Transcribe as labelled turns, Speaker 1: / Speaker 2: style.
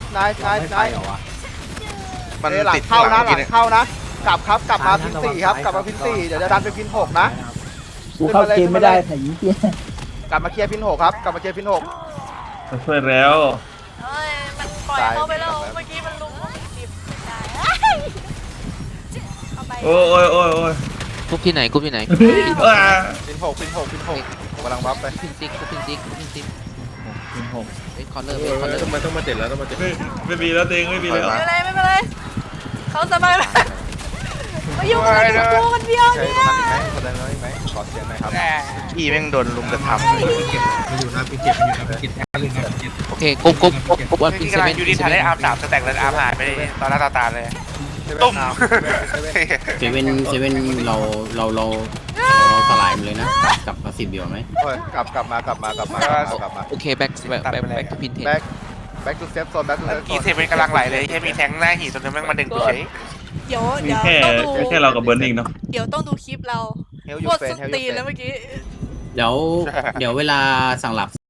Speaker 1: มันติดเข้านะหลังเข้านะกลับครับกลับมาพิน4ครับกลับมาพิน4เดี๋ยวจะดันไปพิน6นะ
Speaker 2: กูเข้าเกมไม่ได้แต่ยิงเกี้ย
Speaker 1: กลับมาเคลียร์พิน6ครับกลับมาเคลียร์พิน6
Speaker 3: ช่วยแล้ว
Speaker 4: เอ้ยมันปล่อยเข้าไปแล้วเมื่อกี้มันลุมจิบได้เข้าไป
Speaker 3: โอ้ย
Speaker 5: กรุ๊ปที่ไหนกรุ๊ปที่ไหน
Speaker 1: พิน6กำลังบัฟไป
Speaker 5: พินซิกกรุ๊ปพินซิกพินซิก
Speaker 3: เป็นหก
Speaker 5: เอ็กคอร์เลอร์เอ็กคอร์เลอร์
Speaker 6: ต้องมาเจ็ดแล้วต้องมาเจ็ด
Speaker 3: ไม่มีแล้วเองไม่มีแล้ว
Speaker 4: ไม่เป็นไรเขาสบายมากมายุ่งอะไรกับกูคนเดียว
Speaker 1: ใช่
Speaker 4: เนี่ย
Speaker 1: คนนั้นไหมขอเสียงหน่อยครับ
Speaker 7: พี่แม่งโดนลุมกระทำ
Speaker 5: โอเคกรุ๊ปว่าพิน
Speaker 7: พี่
Speaker 5: เซ
Speaker 7: กำลั
Speaker 5: เว่
Speaker 7: ง
Speaker 5: น
Speaker 7: ยูนิทาได้อาร์ม3สแต็กแล้วอาร์มหายไปตอนหน้าตาเลยตุ้ม
Speaker 8: เซเว่นเราสลายมันเลยนะกลับมา10 เดียวไหม
Speaker 1: กลับมา
Speaker 5: โอเคแบ็คทูพินเทน
Speaker 1: แบ็กทูเซฟโซนแบ็กทูเซฟโซ
Speaker 7: กี
Speaker 1: น
Speaker 7: เซเป็นกำลังไหลเลยแค่มีแทงหน้าหีตัวนึงแม่งมาดึงกูเฉย
Speaker 4: เดี๋ยว
Speaker 3: มี
Speaker 4: ต้องดู
Speaker 3: แค่เรากับเบิร์นเองเนาะ
Speaker 4: เดี๋ยวต้องดูคลิปเรา
Speaker 1: เฮลยู
Speaker 4: โคตร
Speaker 1: เฟน
Speaker 4: ส้นตีนแล้วเมื่อกี้
Speaker 8: เดี๋ยวเวลาสั่งหลับ